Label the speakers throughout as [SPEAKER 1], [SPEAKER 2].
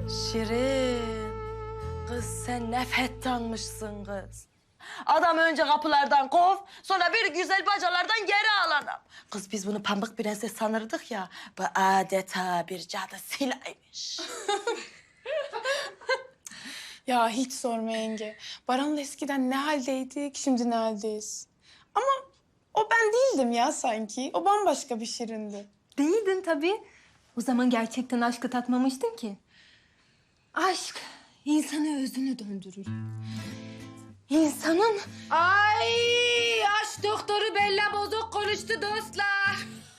[SPEAKER 1] Şirin, kız sen ne fettanmışsın kız. Adam önce kapılardan kov, sonra bir güzel bacalardan geri al adam. Kız biz bunu pamuk prenses sanırdık ya, bu adeta bir cadı silaymış.
[SPEAKER 2] Ya hiç sorma yenge. Baran'la eskiden ne haldeydik, şimdi ne haldeyiz. Ama o ben değildim ya sanki. O bambaşka bir Şirin'di.
[SPEAKER 3] Değildin tabii. O zaman gerçekten aşkı tatmamıştın ki. Aşk insanı özünü döndürür. İnsanın... Ay aşk doktoru Bella bozuk konuştu dostlar.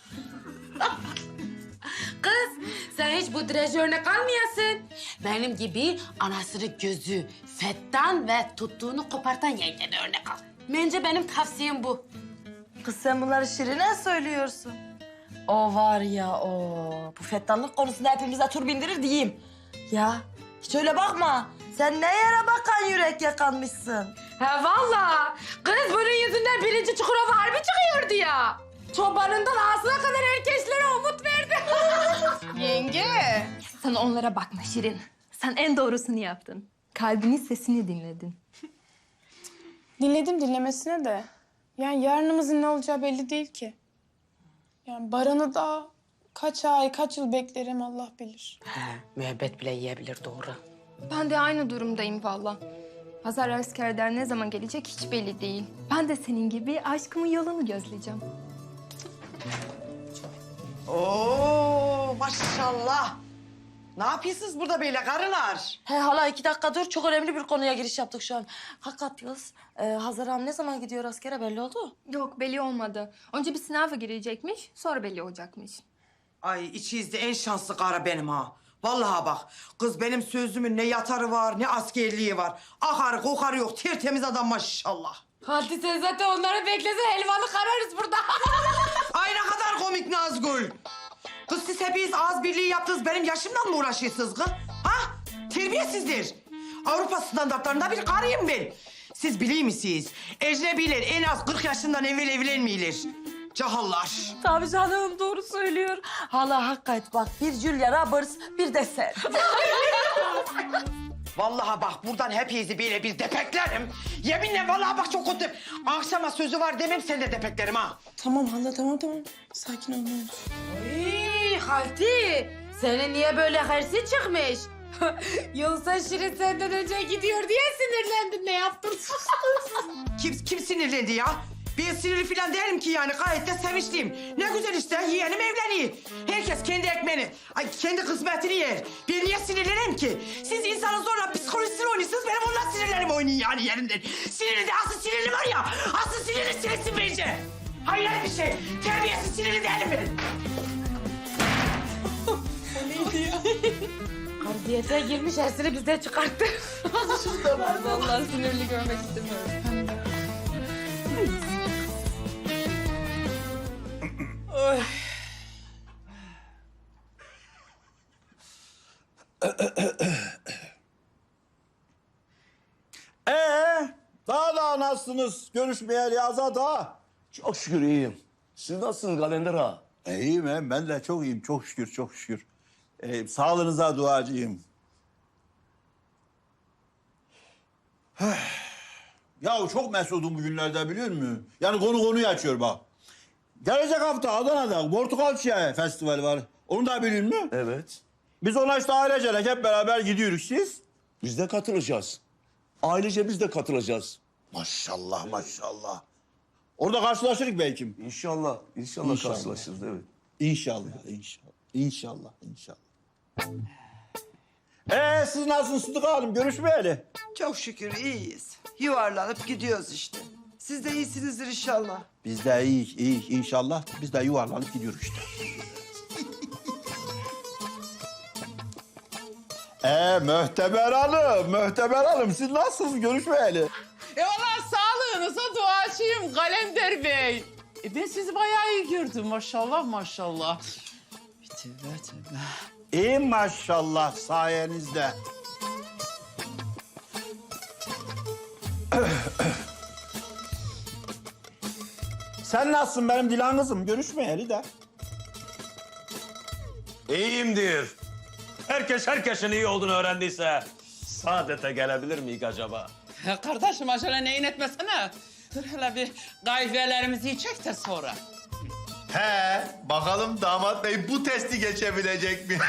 [SPEAKER 4] Kız sen hiç bu diraj örnek almayasın. Benim gibi anasını gözü fettan ve tuttuğunu kopartan yengene örnek al. Bence benim tavsiyem bu.
[SPEAKER 1] Kız sen bunları Şirin'e söylüyorsun. O var ya o, bu fettanlık konusunda hepimize tur bindirir diyeyim. Ya hiç öyle bakma. Sen ne yere bakan yürek yakanmışsın.
[SPEAKER 4] Ha vallahi. Kız bunun yüzünden birinci Çukurova harbi çıkıyordu ya. Çobanından ağzına kadar herkeslere umut verdi.
[SPEAKER 3] Yenge. Sen onlara bakma Şirin. Sen en doğrusunu yaptın. Kalbinin sesini dinledin.
[SPEAKER 2] Dinledim dinlemesine de. Yani yarınımızın ne olacağı belli değil ki. Yani Baran'ı da kaç ay, kaç yıl beklerim Allah bilir.
[SPEAKER 4] Müebbet bile yiyebilir doğru.
[SPEAKER 3] Ben de aynı durumdayım valla. Hazar askerler ne zaman gelecek hiç belli değil. Ben de senin gibi aşkımın yolunu gözleyeceğim.
[SPEAKER 5] Oo maşallah. Ne yapıyorsunuz burada böyle karılar?
[SPEAKER 1] He hala 2 dakika dur. Çok önemli bir konuya giriş yaptık şu an. Hakikat kız, Hazar Hanım ne zaman gidiyor askere belli oldu?
[SPEAKER 3] Yok belli olmadı. Önce bir sınava girecekmiş, sonra belli olacakmış.
[SPEAKER 5] Ay içinizde en şanslı karı benim ha. Vallahi bak kız benim sözümün ne yatarı var ne askerliği var. Akarı kokarı yok tertemiz adam maşallah.
[SPEAKER 4] Hadi sen zaten onları beklese helvalı kararız burada.
[SPEAKER 5] Ay ne kadar komik Nazgül. Kız siz hepiniz ağız birliği yaptınız benim yaşımdan mı uğraşıyorsunuz kız? Ha? Terbiyesizdir. Avrupa standartlarında bir karıyım ben. Siz biliyor musunuz? Ecnebiler en az 40 yaşından evvel evlenmeyilir. Cahallar.
[SPEAKER 1] Tabii canım doğru söylüyor. Hala hakikat bak bir Julia Roberts bir de sen.
[SPEAKER 5] Vallahi bak buradan hepinizi böyle bir depeklerim. Yeminle vallahi bak çok kötü. Akşama sözü var demem sen de depeklerim ha.
[SPEAKER 2] Tamam hala tamam. Sakin ol ne olur.
[SPEAKER 4] Ay Halti, senin niye böyle hırsı çıkmış? Yoksa Şirin senden önce gidiyor diye sinirlendin ne yaptın?
[SPEAKER 5] Kim sinirlendi ya? Ben sinirli falan değilim ki yani gayet de sevinçliyim. Ne güzel işte yeğenim evleniyor. Herkes kendi ekmeğini, kendi kısmetini yer. Ben niye sinirleneyim ki? Siz insanın zorla psikolojisini oynuyorsunuz, benim ondan sinirlerim oynuyor yani yerinden. Sinirli de asıl sinirli var ya, asıl sinirli sinirsin bence. Hayır bir şey, terbiyesiz sinirli değilim ben.
[SPEAKER 4] Kardiyete girmiş hersini bizden çıkarttı.
[SPEAKER 3] Vallahi sinirli görmek istemiyorum.
[SPEAKER 6] Daha nasılsınız? Görüşmeyeli Azat ha?
[SPEAKER 7] Çok şükür iyiyim. Siz nasılsınız Kalender ağa?
[SPEAKER 6] İyiyim ben de çok iyiyim. Çok şükür, çok şükür. Sağlığınıza duacıyım. Ya çok mesudum bugünlerde biliyor musun? Yani konuyu açıyor bak. Gelecek hafta Adana'da Portakal Çiçeği Festivali var. Onu da biliyor musun?
[SPEAKER 7] Evet.
[SPEAKER 6] Biz ona işte ailecek hep beraber gidiyoruz siz.
[SPEAKER 7] Biz de katılacağız. Ailece biz de katılacağız.
[SPEAKER 6] Maşallah maşallah. Orada karşılaşırız belki.
[SPEAKER 7] İnşallah, inşallah karşılaşırız evet.
[SPEAKER 6] İnşallah, inşallah. İnşallah, inşallah. Siz nasılsınız Sıdık Hanım? Görüşmeyeli.
[SPEAKER 8] Çok şükür iyiyiz. Yuvarlanıp gidiyoruz işte. Siz de iyisinizdir inşallah.
[SPEAKER 6] Biz de iyi inşallah. Biz de yuvarlanıp gidiyoruz işte. Möhteber Hanım, siz nasılsınız? Görüşmeyeli.
[SPEAKER 9] Valla sağlığınıza duacıyım Kalender Bey. Ben sizi bayağı iyi gördüm maşallah maşallah.
[SPEAKER 8] Tövbe.
[SPEAKER 6] İyi maşallah sayenizde. Sen nasılsın benim Dilan kızım? Görüşmeyeli de.
[SPEAKER 7] İyiyimdir.
[SPEAKER 10] herkes herkesin iyi olduğunu öğrendiyse saadete gelebilir miyik acaba?
[SPEAKER 9] Kardeşim acele neyin etmesene. Dur hele bir kahvelerimizi içek de sonra.
[SPEAKER 11] He, bakalım damat bey bu testi geçebilecek mi?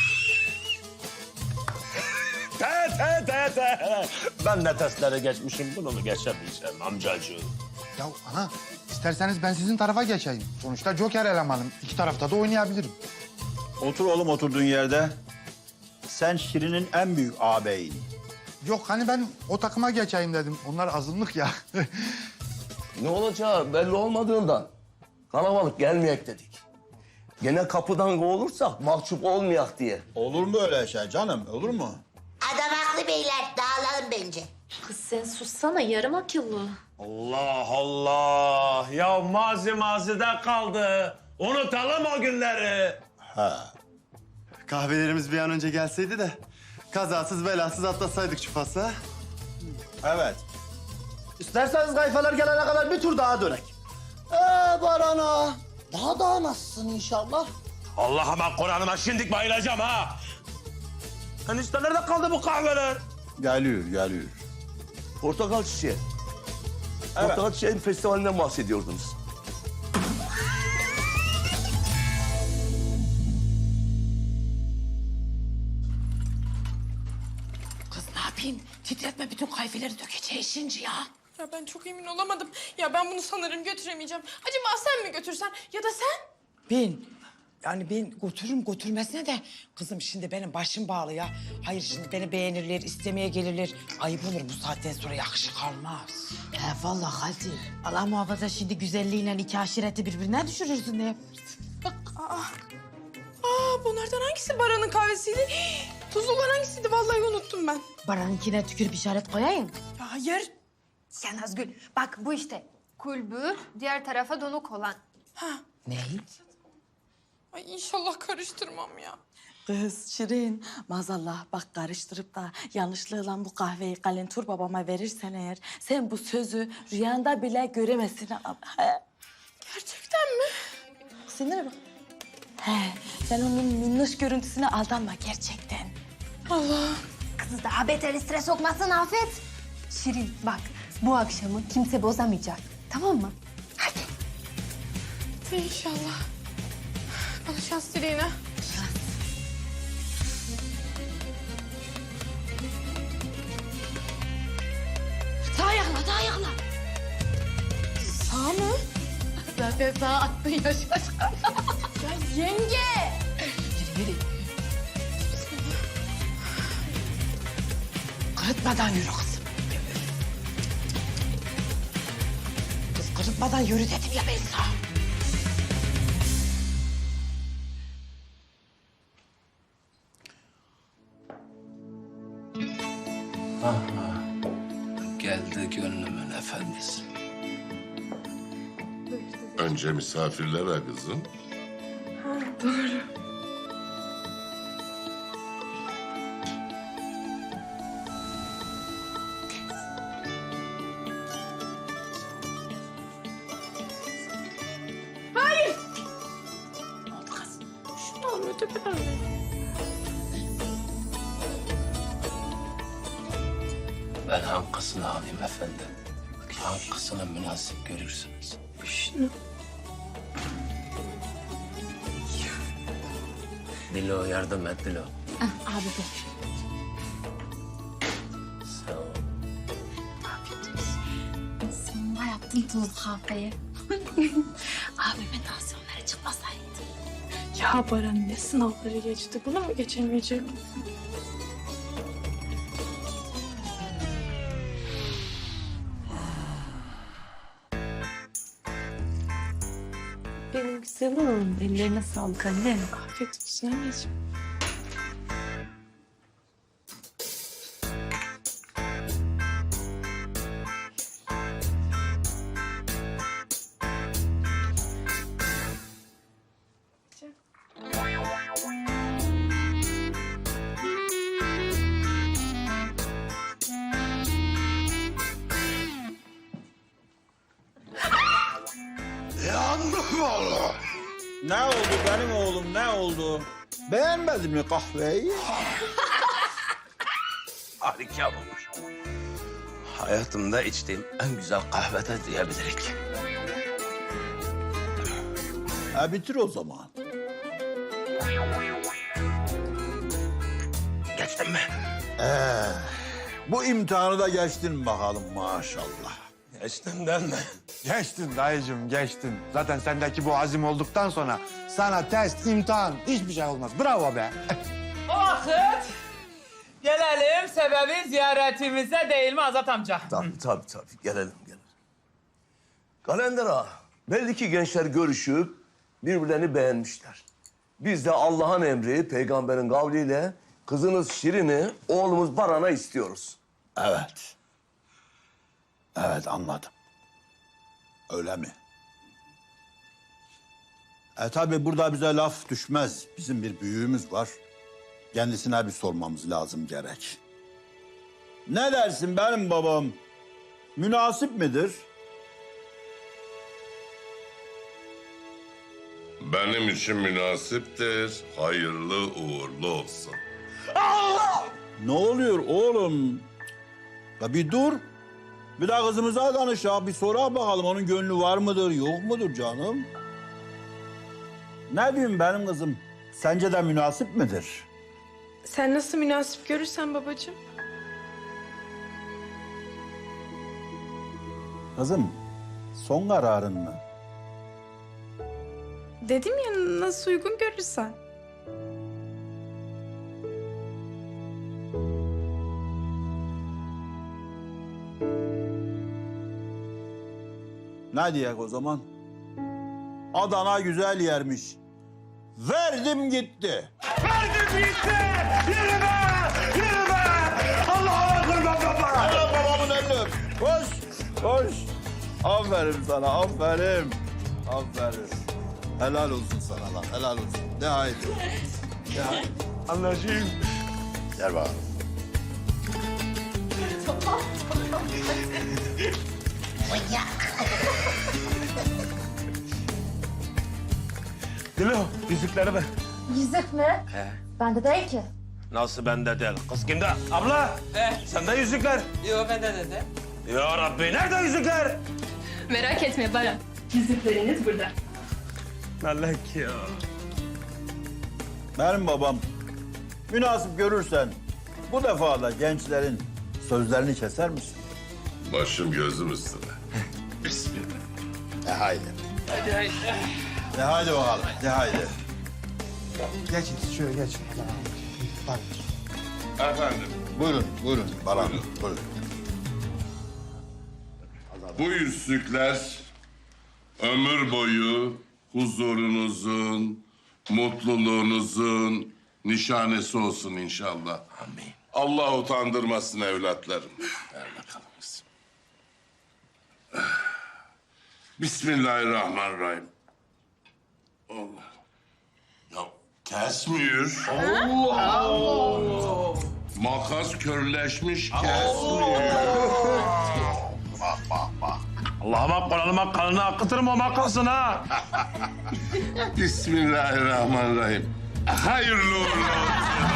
[SPEAKER 10] Te. Ben de testleri geçmişim, bunu mu geçemeyeceğim amcacığım?
[SPEAKER 12] Ya ana, isterseniz ben sizin tarafa geçeyim. Sonuçta Joker elemanım. İki tarafta da oynayabilirim.
[SPEAKER 6] Otur oğlum oturduğun yerde. Sen Şirin'in en büyük ağabeyin.
[SPEAKER 12] Yok hani ben o takıma geçeyim dedim. Onlar azınlık ya.
[SPEAKER 7] Ne olacağı belli olmadığından kalabalık gelmeyek dedik. Gene kapıdan kovulursak mahcup olmayak diye.
[SPEAKER 6] Olur mu öyle şey canım? Olur mu?
[SPEAKER 13] Adam haklı beyler. Dağılalım bence.
[SPEAKER 3] Kız sen sussana yarım akıllı.
[SPEAKER 10] Allah Allah! Ya mazide kaldı. Unutalım o günleri.
[SPEAKER 6] Ha.
[SPEAKER 11] Kahvelerimiz bir an önce gelseydi de kazasız belasız atlatsaydık şu fasla.
[SPEAKER 6] Evet.
[SPEAKER 7] İsterseniz kayfalar gelene kadar bir tur daha dönek. Barana. Daha nasılsın inşallah?
[SPEAKER 10] Allah'ıma Kur'an'ıma şimdik bayılacağım ha. Enişte nerede kaldı bu kahveler?
[SPEAKER 6] Geliyor.
[SPEAKER 7] Portakal çiçeği. Portakal çiçeğin festivalinden bahsediyordunuz.
[SPEAKER 4] Kız ne yapayım? Titretme bütün kahveleri dökeceğiz şimdi ya.
[SPEAKER 2] Ya ben çok emin olamadım. Ya ben bunu sanırım götüremeyeceğim. Acaba sen mi götürsen ya da sen?
[SPEAKER 5] Ben götürürüm götürmesine de kızım şimdi benim başım bağlı ya. Hayır şimdi beni beğenirler, istemeye gelirler. Ayıp olur bu saatten sonra yakışık almaz.
[SPEAKER 4] Vallahi hadi. Allah muhafaza şimdi güzelliğiyle iki aşireti birbirine düşürürsün ne yaparsın?
[SPEAKER 2] Bunlardan hangisi Baran'ın kahvesiydi? Tuzlu olan hangisiydi? Vallahi unuttum ben.
[SPEAKER 4] Baran'ınkine tükürüp işaret koyayım.
[SPEAKER 2] Ya hayır.
[SPEAKER 3] Ya Nazgül bak bu işte kulbü diğer tarafa donuk olan.
[SPEAKER 4] Ne?
[SPEAKER 2] Ay inşallah karıştırmam ya.
[SPEAKER 1] Kız Şirin, maazallah bak karıştırıp da yanlışlıkla bu kahveyi Kalentur babama verirsen eğer... ...sen bu sözü rüyanda bile göremezsin.
[SPEAKER 2] Gerçekten mi?
[SPEAKER 1] Sinire bak. He, sen onun minnoş görüntüsüne aldanma gerçekten.
[SPEAKER 3] Kızı daha beter stres sokmasın Afet. Şirin bak bu akşamı kimse bozamayacak. Tamam mı? Hadi.
[SPEAKER 2] İnşallah. Bana şans dileyin ha.
[SPEAKER 4] Daha ayakla.
[SPEAKER 2] Sağ mı?
[SPEAKER 4] Zaten sağ attın ya şaşkın.
[SPEAKER 2] Ya yenge!
[SPEAKER 4] Yürü.
[SPEAKER 5] Kırıtmadan yürü kızım. Kız kırıtmadan yürü dedim ya ben sana.
[SPEAKER 7] Geldi gönlümün efendisi.
[SPEAKER 11] Önce misafirlere kızım.
[SPEAKER 7] Ben hangisini alayım efendim? Hangisini münasip görürsünüz? Dilo yardım et Dilo.
[SPEAKER 3] Abi de.
[SPEAKER 7] Sağ ol.
[SPEAKER 3] Sonunda yaptın tuzlu kahveyi. Abimin tansiyonları çıkmasaydı.
[SPEAKER 2] Ya Baran ne sınavları geçti? Buna mı geçemeyecek?
[SPEAKER 3] Benim güzelim. Ellerine sağlık annem.
[SPEAKER 2] Afiyet olsun anneciğim.
[SPEAKER 6] Ne oldu benim oğlum ne oldu? Beğenmedin mi kahveyi?
[SPEAKER 10] Harika olmuş. Hayatımda içtiğim en güzel kahvede diyebilirik.
[SPEAKER 6] Bitir o zaman.
[SPEAKER 10] Geçtin mi?
[SPEAKER 6] Bu imtihanı da geçtin bakalım maşallah.
[SPEAKER 10] Geçtim değil mi?
[SPEAKER 12] Geçtin dayıcığım, geçtin. Zaten sendeki bu azim olduktan sonra sana test, imtihan hiçbir şey olmaz. Bravo be.
[SPEAKER 9] O vakit gelelim sebebi ziyaretimize değil mi Azat amca?
[SPEAKER 7] Tabii. Gelelim. Kalender ağa, belli ki gençler görüşüp birbirlerini beğenmişler. Biz de Allah'ın emri, peygamberin kavliyle kızınız Şirin'i, oğlumuz Baran'a istiyoruz.
[SPEAKER 6] Evet. Evet anladım. Öyle mi? Tabii burada bize laf düşmez. Bizim bir büyüğümüz var. Kendisine bir sormamız lazım gerek. Ne dersin benim babam? Münasip midir?
[SPEAKER 14] Benim için münasiptir. Hayırlı uğurlu olsun.
[SPEAKER 6] Ne oluyor oğlum? Ya bir dur. Bir daha kızımıza danış ya. Bir sora bakalım onun gönlü var mıdır, yok mudur canım? Ne diyeyim benim kızım? Sence de münasip midir?
[SPEAKER 2] Sen nasıl münasip görürsen babacığım.
[SPEAKER 6] Kızım, son kararın mı?
[SPEAKER 2] Dedim ya nasıl uygun görürsen.
[SPEAKER 6] Ne diyek o zaman? Adana güzel yermiş. Verdim gitti.
[SPEAKER 10] Yürü be! Allah'a kurban baba!
[SPEAKER 6] Helal babamın elini öp. Koş. Aferin sana, aferin. Helal olsun sana lan, helal olsun. De haydi.
[SPEAKER 10] Anlaşayım.
[SPEAKER 6] Gel bakalım.
[SPEAKER 10] Dilo, yüzükleri ver.
[SPEAKER 3] Yüzük mü? Bende değil ki.
[SPEAKER 10] Nasıl bende değil? Kız kimde? Abla! Sende yüzükler.
[SPEAKER 9] Yok bende de.
[SPEAKER 10] Ya Rabbi, nerede yüzükler?
[SPEAKER 2] Merak etme Baran. Yüzükleriniz burada.
[SPEAKER 10] Melek ya.
[SPEAKER 6] Benim babam, münasip görürsen bu defa da gençlerin sözlerini keser misin?
[SPEAKER 14] Başım gözüm üstüne. Bismillah.
[SPEAKER 6] Haydi. Haydi bakalım, haydi.
[SPEAKER 12] Geçin, şöyle geçin. Bak.
[SPEAKER 14] Efendim,
[SPEAKER 6] Buyurun Baran, buyurun.
[SPEAKER 14] bu yüzükler ömür boyu huzurunuzun, mutluluğunuzun nişanesi olsun inşallah.
[SPEAKER 10] Amin.
[SPEAKER 14] Allah utandırmasın evlatlarım. Ver bakalım kızım. Bismillahirrahmanirrahim. Allah. Ya kesmiyor. Allah. Makas körleşmiş kesmiyor. Bak.
[SPEAKER 10] Allah'ıma Kur'an'ıma kanını akıtırım o makasın ha.
[SPEAKER 14] Bismillahirrahmanirrahim. Hayırlı uğurlu olsun.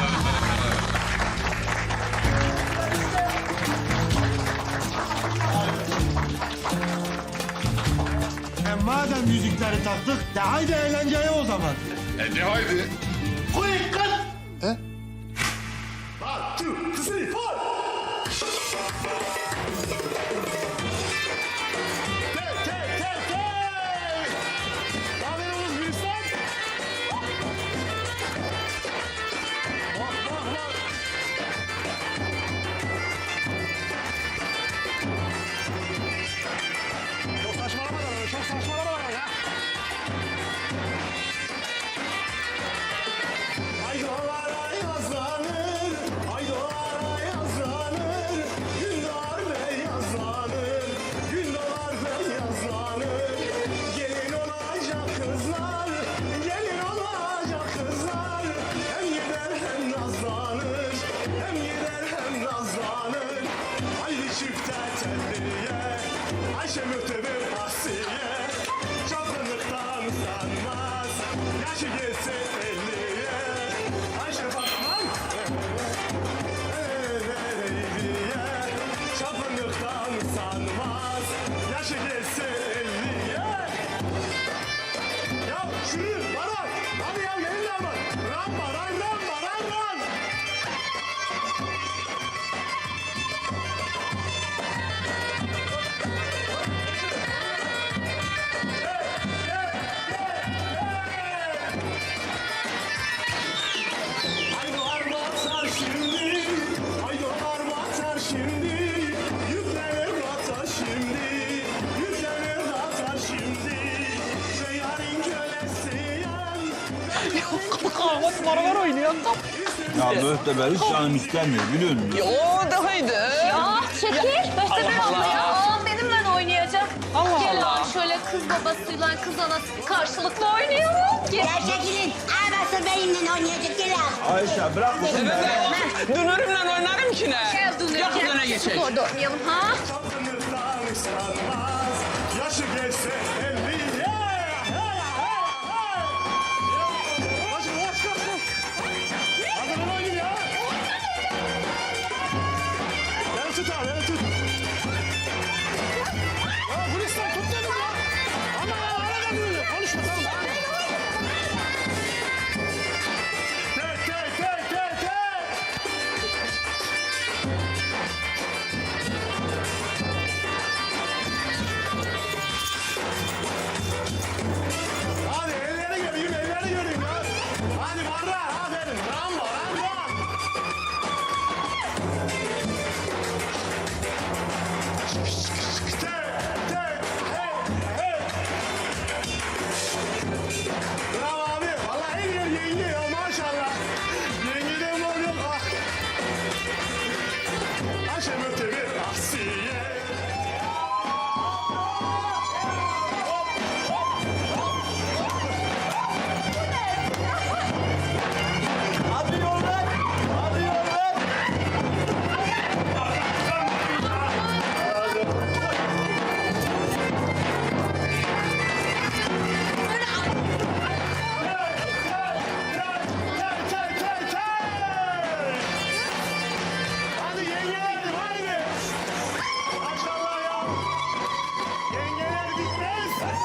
[SPEAKER 12] Madem yüzükleri taktık, de haydi eğlenceye o zaman.
[SPEAKER 14] De haydi.
[SPEAKER 10] Haydi vallahi.
[SPEAKER 12] oynayan da.
[SPEAKER 6] Ya mühteber hiç canım istemiyor biliyor musun?
[SPEAKER 12] Yo da haydi.
[SPEAKER 3] Ya çekil. Möhteber abla ya. Aa, benimle oynayacak.
[SPEAKER 12] Allah
[SPEAKER 3] Gel
[SPEAKER 12] Allah.
[SPEAKER 3] abi şöyle kız babasıyla kız anası karşılıklı oynayalım. Gel.
[SPEAKER 13] Ya çekilin. Nasıl benimle oynayacak gel abi.
[SPEAKER 6] Ayşe bırak bunu be.
[SPEAKER 12] Dünürümle oynarım ki ne?
[SPEAKER 3] Gel Dünür.
[SPEAKER 12] Gel kız öne geçelim.
[SPEAKER 3] Orada oynayalım ha.
[SPEAKER 10] Yaşı geçse 50. Hadi ben oynayayım ya. Beni tut abi, beni tut. Ya Gülistan tut dedim ya. Ama ara kalmıyor. Konuşma tamam. Tek. Hadi elleri göreyim ya. Hadi barra, aferin. Rambo. Bravo abi. Vallahi en iyi yenge ya maşallah. Yengeden var yok. Ayşe Möteber Asiye.
[SPEAKER 6] Hadi yollar. Hadi yollar.
[SPEAKER 10] Hadi yengelerim haydi. Maşallah ya. Yengeler bitmez.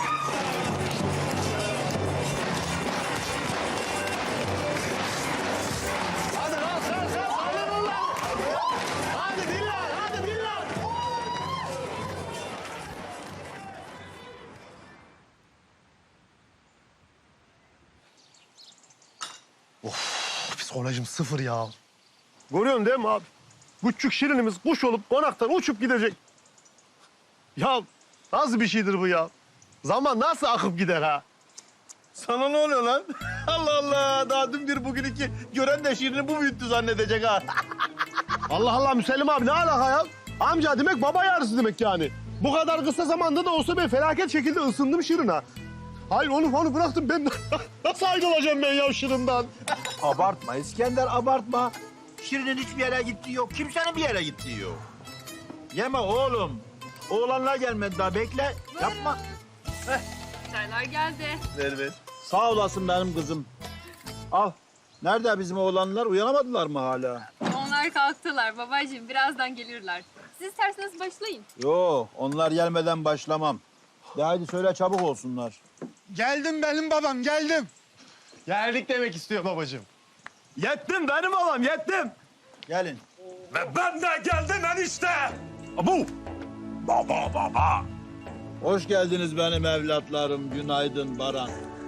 [SPEAKER 10] Hadi lan sen alın lan. Hadi billah.
[SPEAKER 12] Psikolojim sıfır ya. Görüyorsun değil mi abi? Küçük şirinimiz kuş olup konaktan uçup gidecek. Ya nasıl bir şeydir bu ya? Zaman nasıl akıp gider ha?
[SPEAKER 6] Sana ne oluyor lan? Allah Allah. Daha dün bir bugün iki. Gören de şiirini bu büyüttü zannedecek ha.
[SPEAKER 12] Allah Allah Müsellim abi ne alaka ya? Amca demek baba yarısı demek yani. Bu kadar kısa zamanda da olsa ben felaket şekilde ısındım Şirin'e. Hayır onu bıraktım ben nasıl ayrılacağım ben ya Şirin'den?
[SPEAKER 6] Abartma İskender abartma. Şirin'in hiçbir yere gittiği yok. Kimsenin bir yere gittiği yok. Yeme oğlum. Oğlanlar gelmedi daha bekle. Yapma.
[SPEAKER 3] Çaylar geldi.
[SPEAKER 6] Ver. Sağ olasın benim kızım. Al. Nerede bizim oğlanlar? Uyanamadılar mı hala?
[SPEAKER 3] Onlar kalktılar babacığım. Birazdan gelirler. Siz isterseniz başlayın.
[SPEAKER 6] Yo, onlar gelmeden başlamam. De haydi söyle çabuk olsunlar.
[SPEAKER 12] Geldim benim babam geldim. Geldik demek istiyor babacığım. Yettim benim babam yettim.
[SPEAKER 6] Gelin.
[SPEAKER 10] Ve ben de geldim enişte. Bu. Baba.
[SPEAKER 6] Hoş geldiniz benim evlatlarım. Günaydın Baran.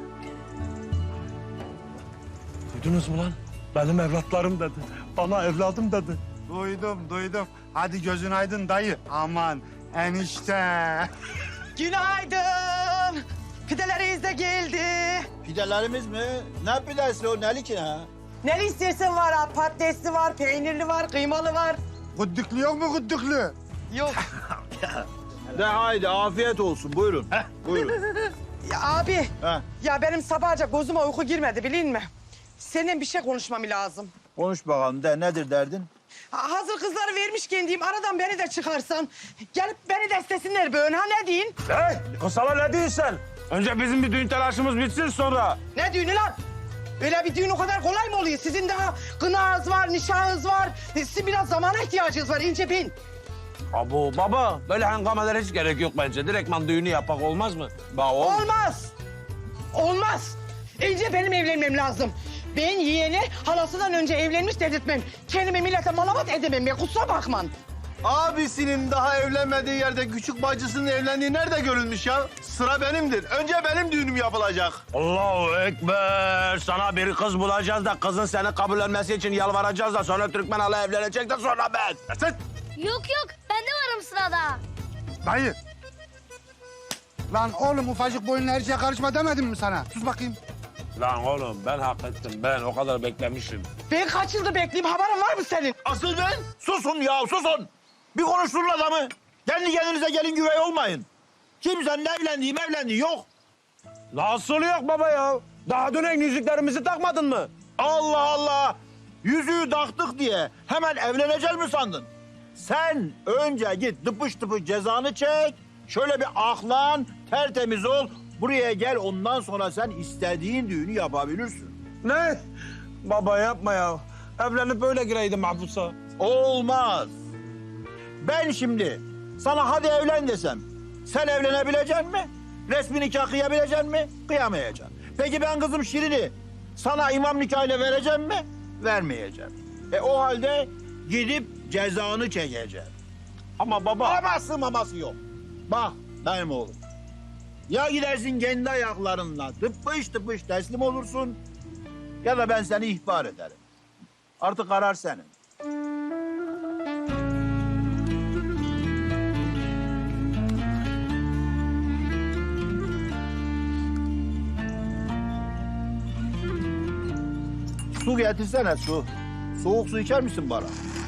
[SPEAKER 12] Duydunuz mu lan? Benim evlatlarım dedi. Bana evladım dedi.
[SPEAKER 11] Duydum. Hadi gözün aydın dayı. Aman enişte.
[SPEAKER 5] Günaydın. Pideleriniz de geldi.
[SPEAKER 6] Pidelerimiz mi? Ne pidesi o? Neli ki ha?
[SPEAKER 5] Ne istersen var ha. Patatesli var, peynirli var, kıymalı var.
[SPEAKER 11] Gıddıklı yok mu gıddıklı?
[SPEAKER 5] Yok.
[SPEAKER 6] De haydi afiyet olsun. Buyurun. Buyurun.
[SPEAKER 5] Ya abi.
[SPEAKER 6] Heh.
[SPEAKER 5] Ya benim sabahca gözüme uyku girmedi bilin mi? Seninle bir şey konuşmam lazım.
[SPEAKER 6] Konuş bakalım. De nedir derdin?
[SPEAKER 5] Hazır kızları vermişken diyeyim aradan beni de çıkarsan. Gelip beni destesinler böyle ha ne deyin?
[SPEAKER 10] Hey, kısala ne diyorsun? Önce bizim bir düğün telaşımız bitsin sonra.
[SPEAKER 5] Ne düğünü lan? Öyle bir düğün o kadar kolay mı oluyor? Sizin daha kınağınız var, nişanınız var. Sizin biraz zamana ihtiyacınız var ince bin.
[SPEAKER 10] Abu baba, böyle hengamelere hiç gerek yok bence. Direktman düğünü yapak olmaz mı?
[SPEAKER 5] Olmaz. Olmaz. Önce benim evlenmem lazım. Ben yeğeni halasından önce evlenmiş dedirtmem. Kendimi millete malamat edemem ya kusura bakman.
[SPEAKER 12] Abisinin daha evlenmediği yerde küçük bacısının evlendiği nerede görülmüş ya? Sıra benimdir. Önce benim düğünüm yapılacak.
[SPEAKER 10] Allahu Ekber. Sana bir kız bulacağız da kızın seni kabullenmesi için yalvaracağız da sonra Türkmen hala evlenecek de sonra ben.
[SPEAKER 12] Sen
[SPEAKER 3] Yok ben de varım sırada.
[SPEAKER 11] Dayı. Lan oğlum ufacık boyunla her şeye karışma demedim mi sana? Sus bakayım.
[SPEAKER 10] Lan oğlum ben hak ettim. Ben o kadar beklemişim.
[SPEAKER 5] Ben kaç yıldır bekleyeyim, haberin var mı senin?
[SPEAKER 6] Asıl ben? Susun ya, susun. Bir konuşturun adamı. Kendi kendinize gelin güvey olmayın. Kimsenin evlendiği yok.
[SPEAKER 10] Nasıl yok baba ya? Daha dönen yüzüklerimizi takmadın mı?
[SPEAKER 6] Allah Allah! Yüzüğü taktık diye hemen evlenecek mi sandın? Sen önce git dıpış dıpış cezanı çek. Şöyle bir aklan, tertemiz ol. Buraya gel, ondan sonra sen istediğin düğünü yapabilirsin.
[SPEAKER 10] Ne? Baba yapma ya. Evlenip böyle gireydim mahpusa.
[SPEAKER 6] Olmaz. Ben şimdi sana hadi evlen desem, sen evlenebilecek mi? Resmi nikah kıyabilecek mi? Kıyamayacaksın. Peki ben kızım Şirin'i sana imam nikahıyla vereceğim mi? Vermeyeceğim. O halde gidip cezanı çekeceğim. Ama baba... Aması yok. Bak benim oğlum. Ya gidersin kendi ayaklarınla tıpış tıpış teslim olursun... ...ya da ben seni ihbar ederim. Artık karar senin. Su getirsene su. Soğuk su içer misin bana?